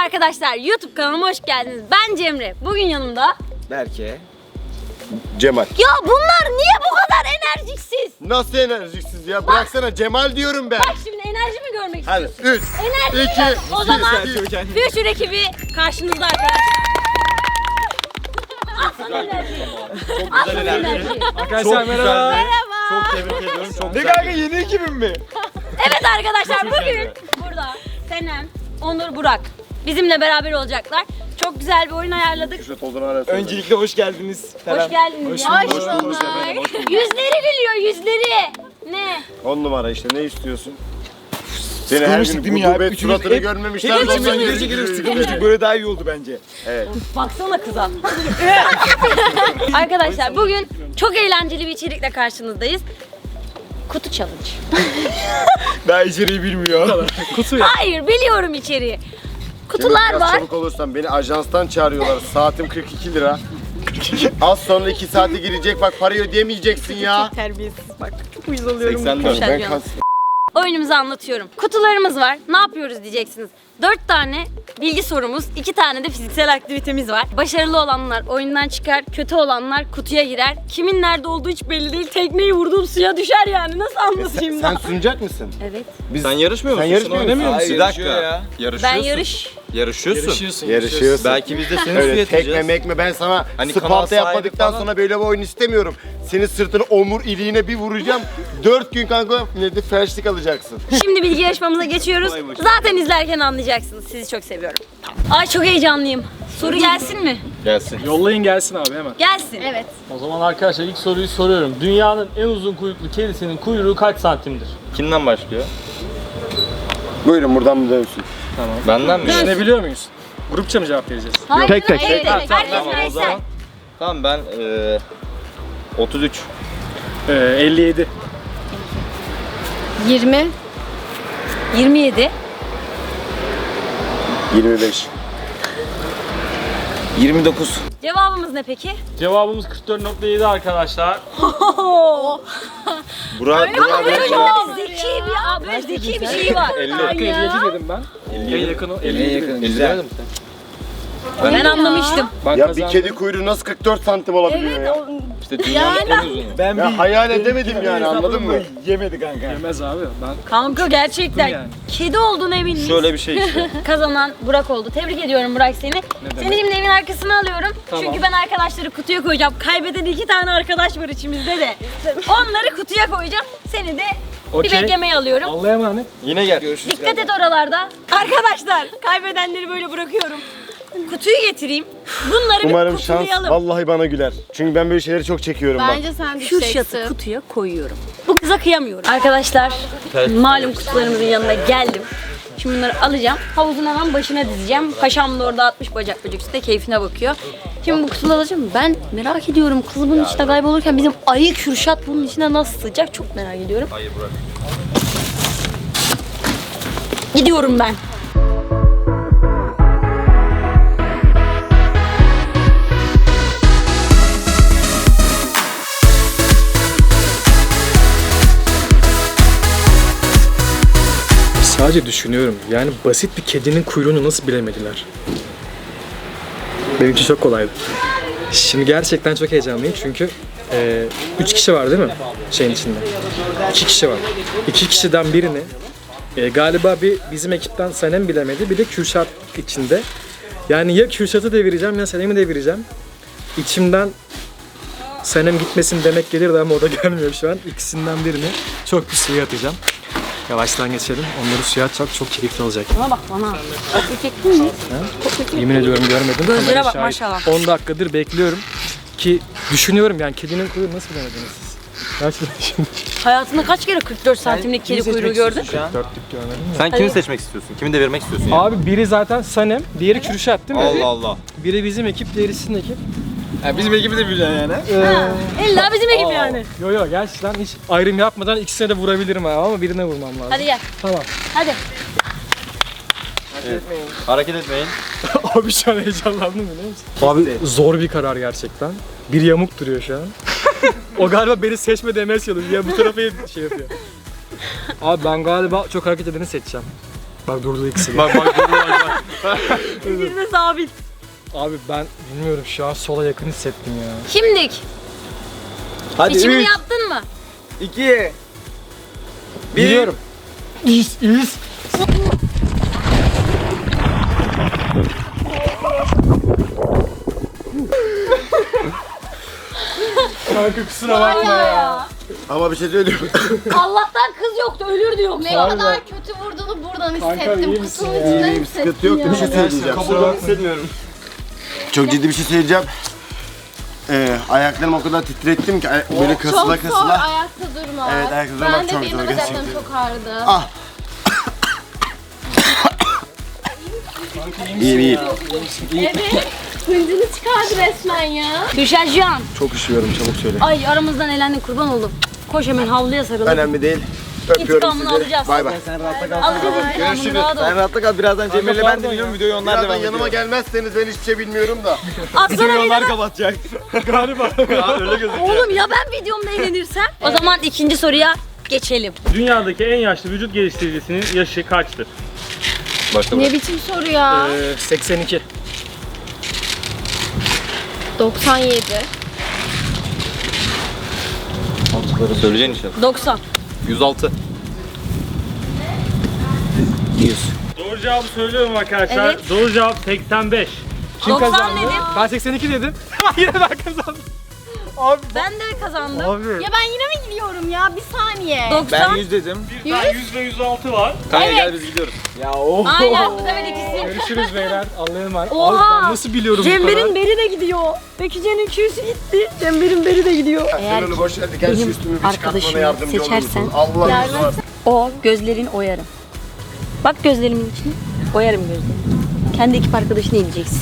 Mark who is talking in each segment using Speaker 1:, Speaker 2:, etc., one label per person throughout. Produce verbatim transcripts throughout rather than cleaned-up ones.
Speaker 1: arkadaşlar, YouTube kanalıma hoş geldiniz. Ben Cemre. Bugün yanımda
Speaker 2: Berke, Cemal.
Speaker 1: Ya bunlar niye bu kadar enerjiksiz?
Speaker 2: Nasıl enerjiksiz ya? Bıraksana, Cemal diyorum ben.
Speaker 1: Bak şimdi enerjimi görmek
Speaker 2: Hadi
Speaker 1: istiyorsun.
Speaker 2: üç,
Speaker 1: Enerji
Speaker 2: iki,
Speaker 1: mi? O zaman
Speaker 2: bir.
Speaker 1: Future ekibi karşınızda arkadaşlar. Al sana enerji. Al sana enerji.
Speaker 3: Arkadaşlar merhaba.
Speaker 1: Merhaba.
Speaker 2: Çok tebrik ediyorum. Çok
Speaker 3: Ne
Speaker 2: güzel.
Speaker 3: kanka yeni ekibim mi?
Speaker 1: Evet arkadaşlar, bugün burada Senem, Onur, Burak bizimle beraber olacaklar. Çok güzel bir oyun ayarladık.
Speaker 2: Küşet olduğunu arasında.
Speaker 3: Öncelikle hoş geldiniz.
Speaker 1: Hoş geldiniz.
Speaker 3: Hoş
Speaker 1: ya.
Speaker 3: bulduk.
Speaker 1: Hoş bulduk. Yüzleri gülüyor, yüzleri. Ne?
Speaker 2: On numara işte, ne istiyorsun? Seni her
Speaker 3: Sıkılmıştık
Speaker 2: gün
Speaker 3: değil mi ya?
Speaker 2: gudubet
Speaker 3: Üçümüz
Speaker 2: suratını
Speaker 3: hep-
Speaker 2: görmemişler.
Speaker 3: Hep
Speaker 2: de
Speaker 3: içimden
Speaker 2: ondan
Speaker 3: gece
Speaker 2: geri
Speaker 3: gelip
Speaker 2: geri
Speaker 3: sıkılmıştık.
Speaker 2: geri.
Speaker 3: Böyle daha iyi oldu bence.
Speaker 2: Evet.
Speaker 1: Baksana kıza. Arkadaşlar bugün çok eğlenceli bir içerikle karşınızdayız. Kutu challenge.
Speaker 3: Daha içeriği bilmiyor. Kutu ya.
Speaker 1: Hayır, biliyorum içeriği. Kutular
Speaker 2: Biraz
Speaker 1: var.
Speaker 2: çabuk olursan, beni ajanstan çağırıyorlar. Saatim kırk iki lira. Az sonra iki saate girecek, bak parayı ödeyemeyeceksin ya.
Speaker 1: Terbiyesiz bak. Çok uyuz oluyorum.
Speaker 2: seksen lira.
Speaker 1: Konuşan
Speaker 2: Ben
Speaker 1: bir an.
Speaker 2: kas-
Speaker 1: Oyunumuzu anlatıyorum. Kutularımız var. Ne yapıyoruz diyeceksiniz. Dört tane bilgi sorumuz, iki tane de fiziksel aktivitemiz var. Başarılı olanlar oyundan çıkar, kötü olanlar kutuya girer. Kimin nerede olduğu hiç belli değil. Tekneyi vurduğum suya düşer yani. Nasıl anlatayım
Speaker 2: Sen
Speaker 1: ben?
Speaker 2: sunacak mısın?
Speaker 1: Evet.
Speaker 4: Sen yarışmıyor
Speaker 2: Sen
Speaker 4: musun?
Speaker 2: yarışmıyor musun?
Speaker 3: oynamıyor musun?
Speaker 4: Bir dakika.
Speaker 3: Ya.
Speaker 1: Ben
Speaker 4: Yarışıyorsun.
Speaker 1: yarış.
Speaker 4: Yarışıyorsun.
Speaker 3: Yarışıyorsun.
Speaker 2: Yarışıyorsun.
Speaker 4: Belki biz de seni
Speaker 2: Öyle
Speaker 4: suya
Speaker 2: tekme
Speaker 4: yatıracağız.
Speaker 2: mekme, ben sana
Speaker 4: Hani kanal
Speaker 2: Sparta
Speaker 4: sahibi
Speaker 2: yapmadıktan
Speaker 4: falan.
Speaker 2: sonra böyle bir oyun istemiyorum. Senin sırtını omur iliğine bir vuracağım. Dört gün kanka ne de felçlik alacaksın.
Speaker 1: Şimdi bilgi yarışmamıza geçiyoruz. Zaten izlerken anlayacaksınız. Sizi çok seviyorum. Ay çok heyecanlıyım. Soru gelsin mi?
Speaker 4: Gelsin.
Speaker 3: Yollayın gelsin abi hemen.
Speaker 1: Gelsin. Evet.
Speaker 5: O zaman arkadaşlar ilk soruyu soruyorum. Dünyanın en uzun kuyruklu kedisinin kuyruğu kaç santimdir?
Speaker 4: Kimden başlıyor?
Speaker 2: Buyurun buradan mı dönsün?
Speaker 4: Benden mi?
Speaker 3: Düşünebiliyor muyuz? Grupça mı cevap vereceğiz?
Speaker 1: Hayır,
Speaker 5: Tek tek,
Speaker 1: hayır,
Speaker 5: tek
Speaker 1: evet,
Speaker 5: tek.
Speaker 1: Herkes
Speaker 4: Tamam o
Speaker 1: bireysel.
Speaker 4: zaman. Tamam ben eee otuz üç.
Speaker 3: Ee, elli yedi.
Speaker 1: yirmi. yirmi yedi.
Speaker 2: yirmi beş.
Speaker 4: yirmi dokuz.
Speaker 1: Cevabımız ne peki?
Speaker 5: Cevabımız kırk dört nokta yedi arkadaşlar.
Speaker 2: Burak, Burak
Speaker 1: Böyle
Speaker 2: Bey.
Speaker 1: çok zeki bir abi, zeki bir şey var.
Speaker 3: elli dedim ben. elliye yakın o. elliye yakın.
Speaker 4: elli demedim.
Speaker 1: Ben anlamıştım.
Speaker 3: Ben
Speaker 2: Ya bir
Speaker 3: kazandım.
Speaker 2: kedi kuyruğu nasıl kırk dört santim olabiliyor ya?
Speaker 4: İşte dünyanın en uzunu.
Speaker 3: Ben
Speaker 2: Ya hayal edemedim yani, anladın mı?
Speaker 3: Yemedi kanka. Yemez abi. Ben
Speaker 1: Kanka gerçekten
Speaker 3: Yani.
Speaker 1: kedi olduğuna eminim.
Speaker 4: Şöyle bir şey işte.
Speaker 1: Kazanan Burak oldu. Tebrik ediyorum Burak seni. Seni şimdi evin arkasına alıyorum. Çünkü ben arkadaşları kutuya koyacağım. Kaybeden iki tane arkadaş var içimizde de. Onları kutuya koyacağım. Seni de bir
Speaker 3: Okey.
Speaker 1: beklemeye alıyorum.
Speaker 3: Allah'a emanet.
Speaker 4: Yine gel. Görüşürüz.
Speaker 1: Dikkat et oralarda. Arkadaşlar kaybedenleri böyle bırakıyorum. Kutuyu getireyim. Bunları
Speaker 2: Umarım
Speaker 1: bir
Speaker 2: şans
Speaker 1: kutulayalım.
Speaker 2: vallahi bana güler. Çünkü ben böyle şeyleri çok çekiyorum bak.
Speaker 6: Bence sen
Speaker 1: Kürşat'ı
Speaker 6: düşeceksin.
Speaker 1: kutuya koyuyorum. Bu kıza kıyamıyorum. Arkadaşlar malum kutularımızın yanına geldim. Şimdi bunları alacağım. Havuzun hemen başına dizeceğim. Paşam da orada atmış bacak bacak üstte keyfine bakıyor. Şimdi bu kutuları alacağım. Ben merak ediyorum kız bunun içinde kaybolurken bizim ayı Kürşat bunun içine nasıl sığacak çok merak ediyorum.
Speaker 4: Hayır bırak.
Speaker 1: Gidiyorum ben.
Speaker 3: Sadece düşünüyorum. Yani basit bir kedinin kuyruğunu nasıl bilemediler? Benim için çok kolaydı. Şimdi gerçekten çok heyecanlıyım çünkü e, üç kişi var değil mi şeyin içinde? İki kişi var. İki kişiden birini e, galiba bir bizim ekipten Sanem bilemedi, bir de Kürşat içinde. Yani ya Kürşat'ı devireceğim ya Sanem'i devireceğim. İçimden Sanem gitmesin demek gelirdi ama o da gelmiyor şu an. İkisinden birini çok bir suya atacağım. Yavaştan geçelim. Onları suya atacak, çok keyifli olacak.
Speaker 1: Bana bak bana. Kopya çektin mi?
Speaker 3: Yemin ediyorum görmedim.
Speaker 1: Gözlere
Speaker 3: Kamera
Speaker 1: bak,
Speaker 3: şahit.
Speaker 1: maşallah.
Speaker 3: on dakikadır bekliyorum ki düşünüyorum yani kedinin kuyruğu nasıl bilemediniz siz? Gerçekten şimdi
Speaker 1: Hayatında kaç kere kırk dört santimlik kedi kuyruğu gördün?
Speaker 3: dörtlük görmedim mi?
Speaker 4: Sen kimi seçmek istiyorsun? Kimi devirmek istiyorsun ya?
Speaker 3: Abi biri zaten Sanem, diğeri Kürşat değil mi?
Speaker 4: Allah Allah.
Speaker 3: Biri bizim ekip, diğeri sizin ekip.
Speaker 5: Ya bizim ekibi de bileceksin yani.
Speaker 1: İlla bizim ekip yani.
Speaker 3: Yo yo gerçekten hiç ayrım yapmadan ikisine de vurabilirim abi ama birine vurmam lazım.
Speaker 1: Hadi gel.
Speaker 3: Tamam.
Speaker 1: Hadi.
Speaker 4: Hareket etmeyin.
Speaker 3: Abi şu an heyecanlandım biliyor musun? Abi zor bir karar gerçekten. Bir yamuk duruyor şu an. O galiba beni seçme demeye çalışıyor. Ya bu tarafa şey yapıyor. Abi ben galiba çok hareket edeni seçeceğim. Bak durdu ikisi.
Speaker 4: Bak bak bak bak.
Speaker 1: İkisi de sabit.
Speaker 3: Abi ben bilmiyorum şu an sola yakın hissettim ya.
Speaker 1: Şimdilik.
Speaker 4: Hadi
Speaker 1: Seçimini
Speaker 4: üç,
Speaker 1: yaptın mı?
Speaker 4: iki, bir.
Speaker 3: Biliyorum. İz, iz. Kanka kusura bakma ya.
Speaker 2: Ama bir şey söyleyeyim.
Speaker 1: Allah'tan kız yoktu, ölürdü yoksa.
Speaker 6: Ne kadar kötü vurduğunu buradan hissettim.
Speaker 3: iyi misin
Speaker 6: Kutunun
Speaker 3: ya?
Speaker 6: içinden
Speaker 2: İyiyim,
Speaker 6: hissettim
Speaker 2: sıkıntı yok.
Speaker 6: ya.
Speaker 2: Bir şey söyleyeceğim.
Speaker 4: Kabuğunu hissetmiyorum.
Speaker 2: Çok ciddi bir şey söyleyeceğim. Ee, ayaklarımı o kadar titrettim ki ay- böyle kasıla
Speaker 6: Çok zor
Speaker 2: kasıla.
Speaker 6: ayakta durmak.
Speaker 2: Evet, ayakta durmak
Speaker 6: ben de
Speaker 2: çok
Speaker 6: benim
Speaker 2: zor
Speaker 6: de bacaklarım
Speaker 2: gerçekten.
Speaker 6: çok ağrıdı.
Speaker 2: Ah. İyiyim iyiyim.
Speaker 6: Evet. Hıncını çıkardı resmen ya.
Speaker 1: Düşercan.
Speaker 2: Çok üşüyorum, çabuk söyle.
Speaker 1: Ay aramızdan elendin, kurban oldum. Koş hemen havluya sarıl.
Speaker 2: Önemli değil. Öpüyorum
Speaker 1: İntikamını
Speaker 2: sizi.
Speaker 1: alacağız.
Speaker 2: Bay bay.
Speaker 1: Alacağız intikamını, rahat ol.
Speaker 4: Sen rahatta kal. Birazdan Cemil'le ben de dinliyorum. Videoyu onlar
Speaker 2: Birazdan
Speaker 4: devam ediyor.
Speaker 2: yanıma gelmezseniz ben hiçbir şey bilmiyorum da.
Speaker 1: Atsana bir daha.
Speaker 4: kapatacak.
Speaker 3: Galiba.
Speaker 4: Ya öyle gözüküyor.
Speaker 1: Oğlum ya ben videomda eğlenirsem? O zaman ikinci soruya geçelim.
Speaker 5: Dünyadaki en yaşlı vücut geliştiricisinin yaşı kaçtır?
Speaker 4: Başla
Speaker 6: Ne biçim soru ya?
Speaker 3: Ee, seksen iki.
Speaker 6: doksan yedi.
Speaker 4: Mantıkları söyleyeceksin inşallah.
Speaker 1: doksan.
Speaker 4: yüz altı. yüz.
Speaker 5: Doğru cevabı söylüyorum arkadaşlar.
Speaker 1: Evet.
Speaker 5: Doğru cevap seksen beş.
Speaker 1: doksan dedim.
Speaker 3: Ben seksen iki dedim. Yine ben kazandım. Abi.
Speaker 1: Ben de kazandım.
Speaker 3: Abi.
Speaker 6: Ya ben yine mi gidiyorum ya? Bir saniye.
Speaker 4: Ben
Speaker 1: doksan.
Speaker 4: yüz dedim.
Speaker 5: Bir tane yüz ve yüz altı var.
Speaker 4: Kanka
Speaker 6: Evet.
Speaker 4: gel biz gidiyoruz. Ya oh.
Speaker 1: Aynen bu sefer ikisi.
Speaker 3: Görüşürüz beyler. Allah'a emanet. Abi
Speaker 1: Oha.
Speaker 3: ben nasıl biliyorum bu kadar?
Speaker 1: Cember'in beri de gidiyor. Bekircan'ın Q'su gitti. Cember'in beri de gidiyor. Eğer
Speaker 2: Sen onu boş ver. Gel şu
Speaker 1: benim
Speaker 2: üstümü bir çıkartmana
Speaker 1: arkadaşımı
Speaker 2: yardımcı olur
Speaker 1: seçersen-
Speaker 2: musun? Allah razı olsun.
Speaker 1: o gözlerini oyarım. Bak gözlerimin içine. Oyarım gözlerini. Kendi ekip arkadaşını yiyeceksin.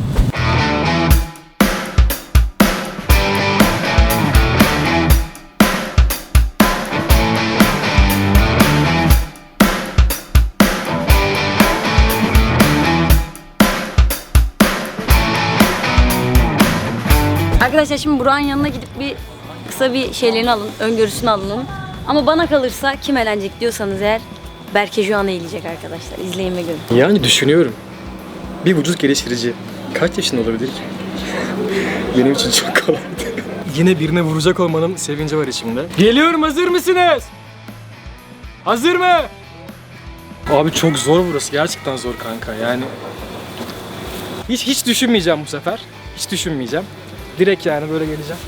Speaker 1: Arkadaşlar şimdi Burak'ın yanına gidip bir kısa bir şeylerini alın, öngörüsünü alın onun. Ama bana kalırsa kim eğlenecek diyorsanız eğer Berke Juan'ı eğilecek arkadaşlar. İzleyin ve görün.
Speaker 3: Yani düşünüyorum. Bir vücut geliştirici kaç yaşında olabilir ki? Benim için çok kolay. Yine birine vuracak olmanın sevinci var içimde. Geliyorum, hazır mısınız? Hazır mı? Abi çok zor burası. Gerçekten zor kanka yani. Hiç hiç düşünmeyeceğim bu sefer. Hiç düşünmeyeceğim. Direkt yani böyle geleceğim.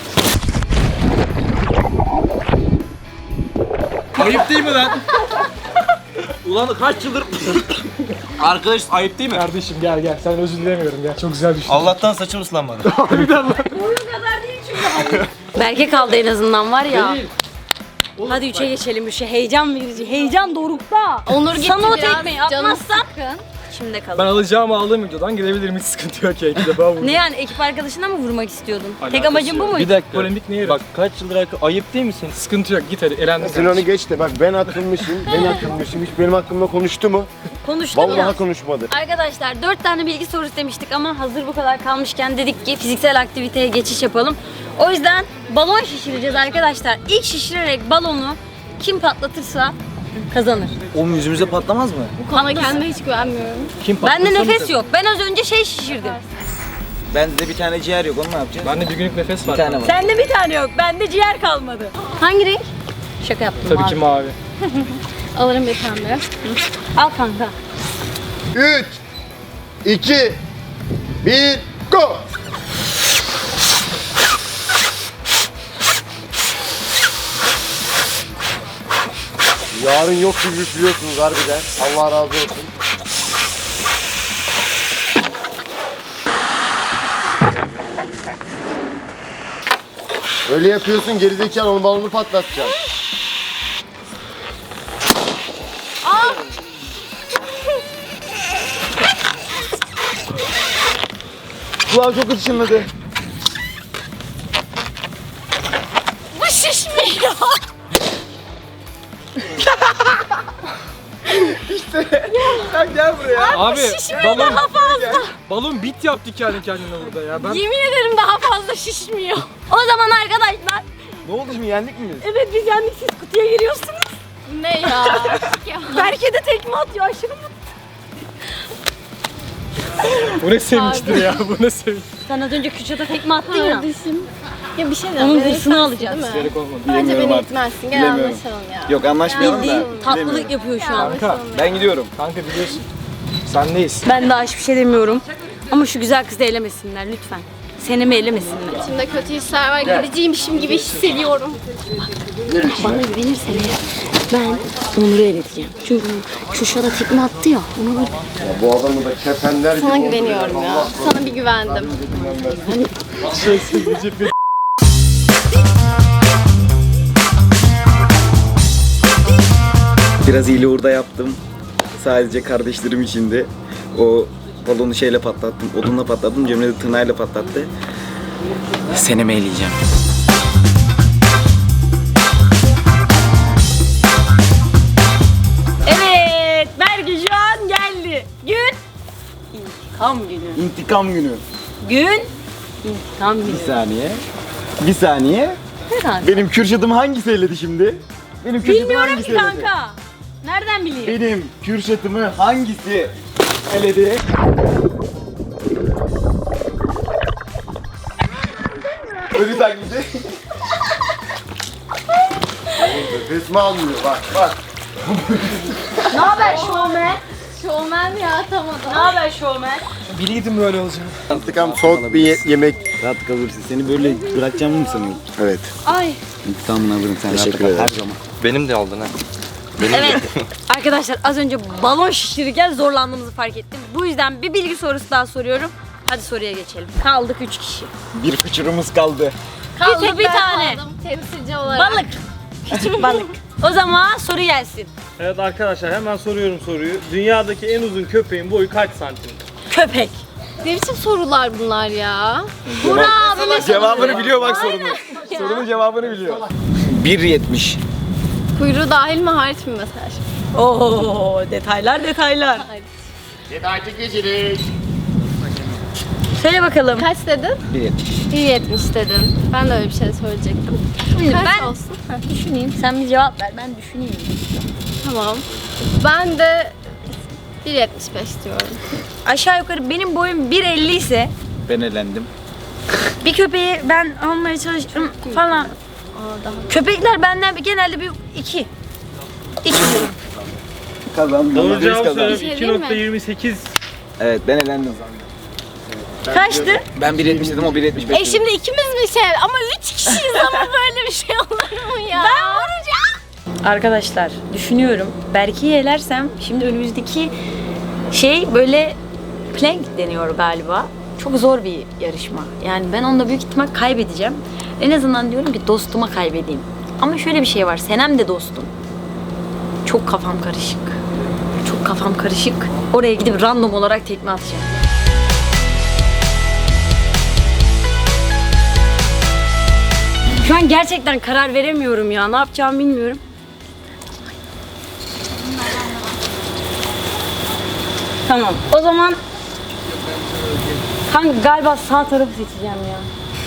Speaker 4: Ayıp değil mi lan? Ulan kaç yıldır... Arkadaş ayıp değil mi?
Speaker 3: Kardeşim gel gel. Sen özür dilemiyorum ya. Çok güzel düşün.
Speaker 4: Allah'tan saçım ıslanmadı.
Speaker 1: Berke kaldı en azından var ya.
Speaker 3: Değil.
Speaker 1: Hadi üçe geçelim. Üçe heyecan verici. Heyecan dorukta.
Speaker 6: Onur gitti
Speaker 1: Sana o
Speaker 6: biraz.
Speaker 1: tekmeyi
Speaker 6: Canım
Speaker 1: atmazsam
Speaker 6: sıkkın.
Speaker 1: içimde
Speaker 3: Ben
Speaker 1: kalır.
Speaker 3: alacağımı aldığım videodan girebilirim. Hiç sıkıntı yok ya. İki defa vurdum.
Speaker 1: Ne yani ekip arkadaşına mı vurmak istiyordun? Tek
Speaker 3: Alakası
Speaker 1: amacın bu
Speaker 3: yok.
Speaker 1: muydu?
Speaker 4: Bir dakika.
Speaker 3: Polemik ne yeri?
Speaker 4: Bak kaç yıldır arka... Ayıp değil mi senin?
Speaker 3: Sıkıntı yok. Git hadi. Elendin.
Speaker 2: Sen onu geç de bak ben atılmışım, ben atılmışım. Hiç benim hakkımda konuştu mu?
Speaker 1: Konuştum
Speaker 2: Vallahi
Speaker 1: ya.
Speaker 2: konuşmadı.
Speaker 1: Arkadaşlar dört tane bilgi sorusu istemiştik ama hazır bu kadar kalmışken dedik ki fiziksel aktiviteye geçiş yapalım. O yüzden balon şişireceğiz arkadaşlar. İlk şişirerek balonu kim patlatırsa kazanır.
Speaker 4: O yüzümüze patlamaz mı?
Speaker 6: Bu konuda kendime hiç güvenmiyorum.
Speaker 4: Kim
Speaker 1: Bende nefes yok. Ben az önce şey şişirdim.
Speaker 4: Bende bir tane ciğer yok, onu ne yapacağız?
Speaker 3: Bende bir günlük nefes var.
Speaker 4: Bir tane var.
Speaker 1: Sende bir tane yok. Bende ciğer kalmadı. Hangi renk? Şaka yaptım.
Speaker 3: Tabii
Speaker 1: abi.
Speaker 3: ki mavi.
Speaker 6: Alırım bir pembe.
Speaker 1: Al kanka.
Speaker 2: üç, iki, bir, go! Yarın yok gibi üflüyorsunuz harbiden. Allah razı olsun. Öyle yapıyorsun gerizekalı, onun balonu patlatacaksın. Kulağım çok ışınladı.
Speaker 6: Bu şişmiyor.
Speaker 4: Gel buraya.
Speaker 3: Abi
Speaker 6: Şişmiyor
Speaker 3: balon,
Speaker 6: daha fazla.
Speaker 3: balon bit yaptı kendi kendine burada ya. Ben
Speaker 6: Yemin ederim daha fazla şişmiyor.
Speaker 1: O zaman arkadaşlar.
Speaker 2: Ne oldu şimdi, yendik mi biz?
Speaker 1: Evet biz yendik, siz kutuya giriyorsunuz.
Speaker 6: Ne ya?
Speaker 1: Berke de tekme atıyor aşırı mutlu.
Speaker 3: Bu ne sevinçtir ya, bu ne sevinç.
Speaker 1: Sen az önce Kürşat'a tekme attın ya.
Speaker 6: Kardeşim. Ya bir şey diyeceğim.
Speaker 1: Onun
Speaker 6: beni
Speaker 1: hırsını
Speaker 6: itmezsin,
Speaker 1: alacağız.
Speaker 6: değil mi?
Speaker 3: Gerek olmadı.
Speaker 6: Bence
Speaker 2: Bilemiyorum
Speaker 6: beni
Speaker 2: artık.
Speaker 6: itmezsin. Gel
Speaker 2: Bilemiyorum.
Speaker 6: anlaşalım ya.
Speaker 2: Yok anlaşmayalım da.
Speaker 1: Bildiğin tatlılık
Speaker 2: bilemiyorum.
Speaker 1: yapıyor şu an.
Speaker 3: Kanka,
Speaker 2: Ben gidiyorum.
Speaker 3: kanka biliyorsun. Sendeyiz.
Speaker 1: Ben daha hiçbir şey demiyorum. Ama şu güzel kızı elemesinler lütfen. Senemi elemesinler.
Speaker 6: İçimde kötü hisler var. Gideceğimmişim gibi hissediyorum.
Speaker 1: Bana güvenirsen eğer ben Onur'u eleteceğim. Çünkü Kürşat'a tekme attı ya. Onu böyle
Speaker 2: Bu adamı da kefenler gibi
Speaker 6: Sana
Speaker 2: oldu
Speaker 6: güveniyorum ya. Sana bir güvendim.
Speaker 7: Biraz hile orada yaptım. Sadece kardeşlerim içindi. O balonu şeyle patlattım, odunla patlattım. Cemre de tırnağıyla patlattı. Senemi eleyeceğim.
Speaker 1: evet, Berke şu an geldi. Gün intikam günü.
Speaker 7: İntikam günü.
Speaker 1: Gün intikam günü.
Speaker 7: Bir saniye. Bir saniye.
Speaker 1: Herhalde.
Speaker 7: Benim Kürşat'ım hangisi eledi şimdi? Benim Kürşat'ım
Speaker 1: Bilmiyorum
Speaker 7: hangisi
Speaker 1: ki
Speaker 7: eledi?
Speaker 1: kanka. Nereden bileyim?
Speaker 7: Benim Kürşat'ımı hangisi eledi? Ölü taklidi.
Speaker 2: Resmi almıyor bak bak.
Speaker 1: Ne haber şovmen?
Speaker 6: Şovmen ya atamadım.
Speaker 1: Ne haber şovmen?
Speaker 3: Biliydim böyle olacağını.
Speaker 2: İntikam soğuk bir ye- yemek.
Speaker 7: Rahat kalırsın. Seni böyle bırakacağımı mı sanıyorsun?
Speaker 2: Evet.
Speaker 1: Ay.
Speaker 7: İntikamını alırım sen rahat
Speaker 2: Teşekkür
Speaker 7: kal
Speaker 2: ederim.
Speaker 7: her zaman.
Speaker 4: Benim de aldın ha.
Speaker 1: Evet. Arkadaşlar az önce balon şişirirken zorlandığımızı fark ettim. Bu yüzden bir bilgi sorusu daha soruyorum. Hadi soruya geçelim. Kaldık üç kişi.
Speaker 7: Bir fıçırımız kaldı.
Speaker 1: Kaldı
Speaker 6: tek
Speaker 1: bir
Speaker 6: ben
Speaker 1: tane.
Speaker 6: kaldım temsilci olarak.
Speaker 1: Balık. Küçük balık. O zaman soru gelsin.
Speaker 5: Evet arkadaşlar hemen soruyorum soruyu. Dünyadaki en uzun köpeğin boyu kaç santim?
Speaker 1: Köpek.
Speaker 6: Ne biçim sorular bunlar ya? Burak abime
Speaker 7: Cevabını biliyor bak sorunun. Sorunun cevabını biliyor. bir yetmiş.
Speaker 6: Kuyruğu dahil mi hariç mi mesela?
Speaker 1: Oo, detaylar detaylar.
Speaker 2: Detaycı gecelik.
Speaker 1: Söyle bakalım.
Speaker 6: Kaç dedin?
Speaker 7: bir yetmiş.
Speaker 6: bir yetmiş dedin. Ben de öyle bir şey söyleyecektim.
Speaker 1: Şimdi
Speaker 6: Kaç
Speaker 1: ben
Speaker 6: olsun? Heh,
Speaker 1: düşüneyim. Sen bir cevap ver. Ben düşüneyim.
Speaker 6: Tamam. Ben de bir yetmiş beş diyorum.
Speaker 1: Aşağı yukarı benim boyum bir elli ise
Speaker 7: Ben elendim.
Speaker 1: bir köpeği ben almaya çalıştım falan. Köpekler benden bir- genelde bir iki. İki.
Speaker 7: Kazandım.
Speaker 5: Doğru
Speaker 7: Biz
Speaker 5: cevap
Speaker 7: kazandık.
Speaker 5: söylüyorum.
Speaker 6: şey
Speaker 5: iki
Speaker 6: değil mi?
Speaker 5: nokta yirmi sekiz.
Speaker 7: Evet ben elendim.
Speaker 1: Kaçtı?
Speaker 7: Ben bir yetmiş dedim o bir yetmiş beş.
Speaker 6: E şimdi ikimiz mi şey ama üç kişiyiz ama böyle bir şey olur mu ya? Ben vuracağım.
Speaker 1: Arkadaşlar düşünüyorum. Berke'yi elersem şimdi önümüzdeki şey böyle plank deniyor galiba. Çok zor bir yarışma. Yani ben onda büyük ihtimal kaybedeceğim. En azından diyorum ki dostuma kaybedeyim. Ama şöyle bir şey var. Senem de dostum. Çok kafam karışık. Çok kafam karışık. Oraya gidip random olarak tekme atacağım. Şu an gerçekten karar veremiyorum ya. Ne yapacağımı bilmiyorum. Tamam. O zaman kanka galiba sağ tarafı seçeceğim ya.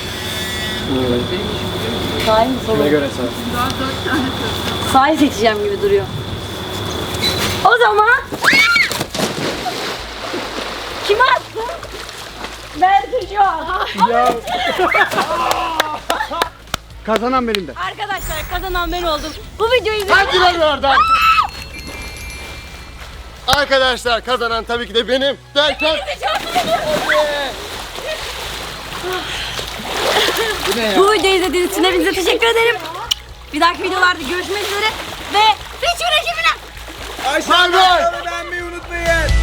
Speaker 1: Sahi mi solu?
Speaker 3: Ne göre sağ.
Speaker 1: Sahi seçeceğim gibi duruyor. O zaman kim attı? Berke şu an.
Speaker 7: Kazanan benim de.
Speaker 1: Arkadaşlar kazanan ben oldum. Bu videoyu izleyin.
Speaker 2: Hadi lan oradan. Arkadaşlar kazanan tabii ki de benim. Derken
Speaker 1: Bu videoyu izlediğiniz için hepinize teşekkür ederim. Bir dahaki videolarda görüşmek üzere ve Feature ekibine
Speaker 2: bay bay.
Speaker 7: Beğenmeyi unutmayın.